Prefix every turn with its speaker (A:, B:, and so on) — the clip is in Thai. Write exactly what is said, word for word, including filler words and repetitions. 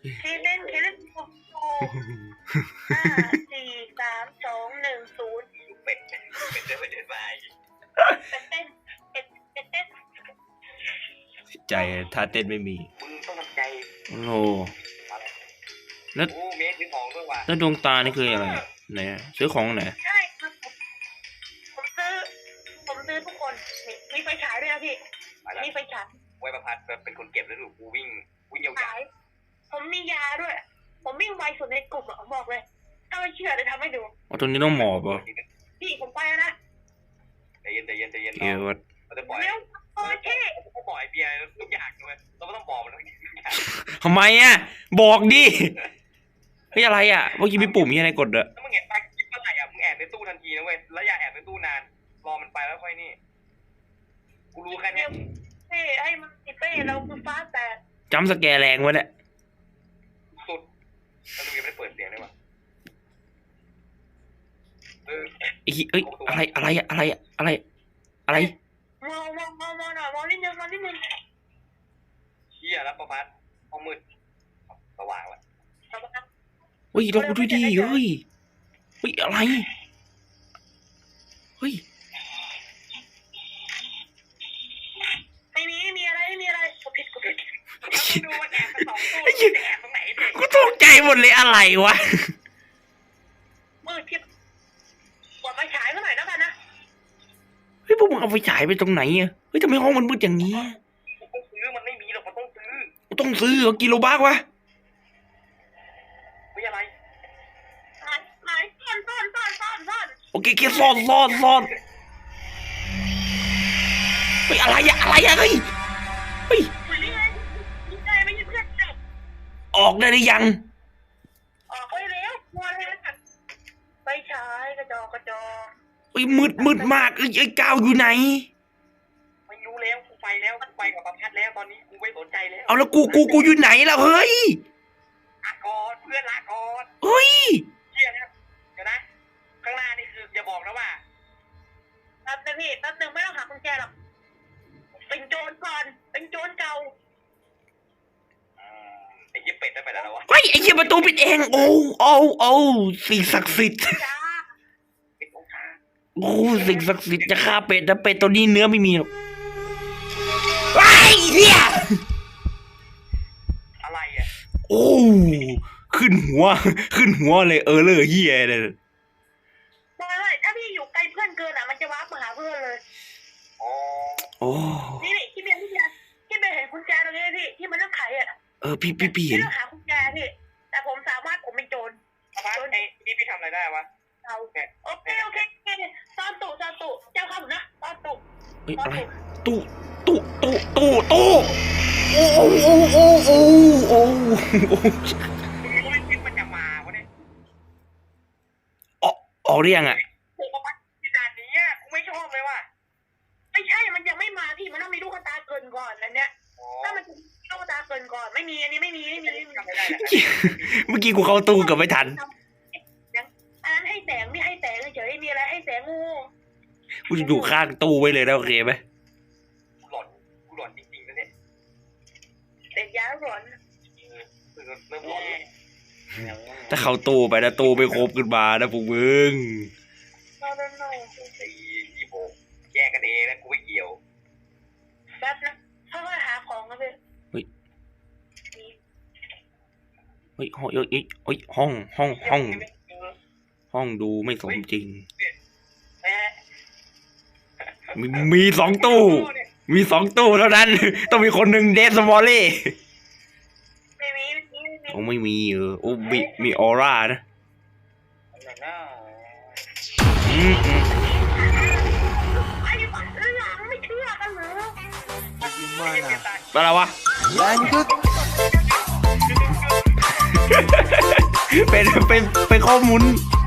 A: ที่เล่นที่เล่นถูกถูกห้าสี่สามสองหนึ่งศูนย์
B: เป็ดเป็ดเดินไปเดินมา
A: เป็ดเต้นเป็ดเป็ดเต้น
C: ใจท่าเต้นไม่มี
B: มึงต้องทำใจ
C: โอ้แล้ว
B: โอ้เมสซื้อของด้วยว่ะ
C: แล้วดวงตานี่คืออะไรไหนซื้อของไหน
A: ใช่ครับผมซื้อผมซื้อทุกคนมีไฟฉายด้วยนะพี่มีไฟฉาย
B: ไว้ประพัดเป็นคนเก็บแล้วดูกูวิ่งวิ่งยาว
A: ๆผมมียาด้วยผมวิ่งไวสุดในกลุ่มผมบอกเลยถ้าไม่เชื่อจะทำให้ดู
C: อ๋อตรงนี้ต้องหมอบป่ะ
A: พี่ผมไปแล้วนะ
B: ใจเย็นใจเย็นใจเย็น
C: เดี๋ยว
B: เราจะปล่อย
A: เร็วโอเค
B: เราจะปล่อยเบียร์ทุกอย่างเลยเราไม่ต้องบอกมัน
C: ทำไมอ่ะบอกดิเฮ้ยอะไรอ่ะเมื่อกี้มีปุ่มยังไงกดอะ
B: ถ้ามึงเห็นไปคิดเมื่อไหร่อ่ะมึงแอบในตู้ทันทีนะเว้ยแล้วอย่าแอบในตู้นานรอมันไปแล้วค่อยนี่กูรู้แค่นี้
A: เฮ้ยไอ้มันติดเป้เราคือฟ้าแต่
C: จำสแกแรงวะเนี่ย
B: สุดแล้วมึงยังไม่ได้เปิดเสียงเลยว่ะเออ
C: เอ้ยอะไรอะไรอะไรอะไรอะไร
A: มองมองมองมองหน่อยมองนิดนึงมองนิดนึง
B: เชี่ยแล้วประพัดห้องมืดสว่างว่ะ
C: เฮ้ยเราดูดีเฮ้ยเฮ้ยอะไรเฮ้ย
A: ไม่มีไม่มีอะไรไม่มีอะไรกูผิดกูผิดดูว่าแอบสองตัวแอบตรงไหน
C: กูตกใจหมดเลยอะไรวะ
A: มืดทิพย์กดไฟฉายเมื่อไหร่แล้วกันนะ
C: เฮ้ยพวกมึงเอาไฟฉายไปตรงไหนอ่ะเฮ้ยทำไมห้องมันมืดอย่างนี้
B: ต้องซื้อมันไม่มีหรอกมันต้องซื้อ
C: ต้องซื้อเหรอกิโลบาทวะ
B: ไม่อะไร
A: ไหนซ่อนซ่อนซ่อนซ่อนซ่อน
C: โอเคแค่ซ่อนซ่อนซ่อนเฮ้ยอะไรอะอะไรอะเฮ้ยเฮ้ยออกได้หรือยัง
A: ออกไปแล้วมัวเลยไปฉายกระจอกกระจอก
C: เฮ้ยมืดมืดมากเอ้ยไอ้ก้าวอยู่ไหน
B: ไม่รู้แล้วกูไปแล้วกูไปกับประพัดแล้วตอนนี้กูไม่สนใจแล้ว
C: เอาแล้วกูกูกูอยู่ไหนแล้วเฮ้ย
B: ลากอนเพื่อนลากอน
C: เฮ้ย
B: เชี่ยนะเดี๋ยวนะข้างหน้านี่คืออย่าบอกนะว่า
A: แป๊บนึงพี่แป๊บนึงไม่ต้องหากุญแจหรอกเป็นโจรก่อนเป็นโจรเก่า
B: ไอ้ยี่เป็ดได้ไปแล้ววะ
C: เฮ้ยไอ้ยี่ประตูปิดเองโอ้โอ้โอ้สิ่งศักดิ์สิทธิ์โอ้สิ่งศักดิ์สิทธิ์จะฆ่าเป็ดแต่เป็ดตัวนี้เนื้อไม่มีหรอกไอ้เหี้ย
B: อะไรอ่ะ
C: โอ้ขึ้นหัวขึ้นหัวเลยเออเลยเหี้ยเลย
A: บอกเลยถ้าพี่อยู่ไกลเพื่อนเกินอ่ะมันจะวาร์ปมาหาเพื่อนเลย
B: อ๋อ
C: โอ้
A: นี่นี่ที่เบียร์ที่เบียร์ที่เบียร์เห็นกุญแจตรงนี้พี่ที่มันต้องไขอ่ะ
C: เออพี่พี่พี่เห็น
A: หากุญแจพี่แต่ผมสามารถผมเป็นโจร
B: โจรไอ้นี่พี่ทำอะไรได้วะ
A: เอาโอเคโอเคโอเคซ่อนตู้ซ่อนตู้เจ้าคำนะซ่อนตู้
C: เฮ้ยอะไรตู้ตู้ตู้ตู้ตู้โอ้โอ้โอ้โอ้โอ้โอ้
B: มึงรู้ไหมคิดมันจะมาวะเนี่ย
C: ออกออกหรือยังอ่ะ
B: ขนาดนี้กูไม่ชอบเลยว่ะ
A: ไม่ใช่มันยังไม่มาพี่มันต้องมีลูกตาเกินก่อนนั่นเนี่ยถ้ามันลูกตาเกินก่อนไม่มีอันนี้ไม่มีไม่มี
C: เมื่อกี้กูเข้าตู้กับไม่ทัน
A: อันนั้นให้แสงไม่ให้แสงเฉยมีอะไรให้แสงงู
C: กูจะอยู่ข้างตู้ไว้เลยนะโอเคไหม
B: กูหลอนกูหลอนจริงๆนะเนี่ย
A: เด็กยาหลอน
B: เริ่มหลอน
C: ถ้าเข้าตู้ไปนะตู้ไม่ครบขึ้นมานะพวกมึง
A: โนโนโน
B: ไอ้ยี่โบแยกกันเองนะกูไม่เกี่ยว
A: แป๊บนะค่อยๆหาของกันเลย
C: เฮ้ยเฮ้ยห้องเอ้ยเอ้ยห้องห้องห้องห้องดูไม่สมจริงมีมีสองตู้มีสองตู้เท่านั้นต้องมีคนหนึ่งเดสมอลลี่
A: ไม่มี
C: โอ้ไม่มีเออโอ้มีมีออร่านะอืมอืม
A: ไอ้บ้าเรื่องไม่เชื่อกันเหรอ
C: อะไรวะเป็นเป็นเป็นข้อมูล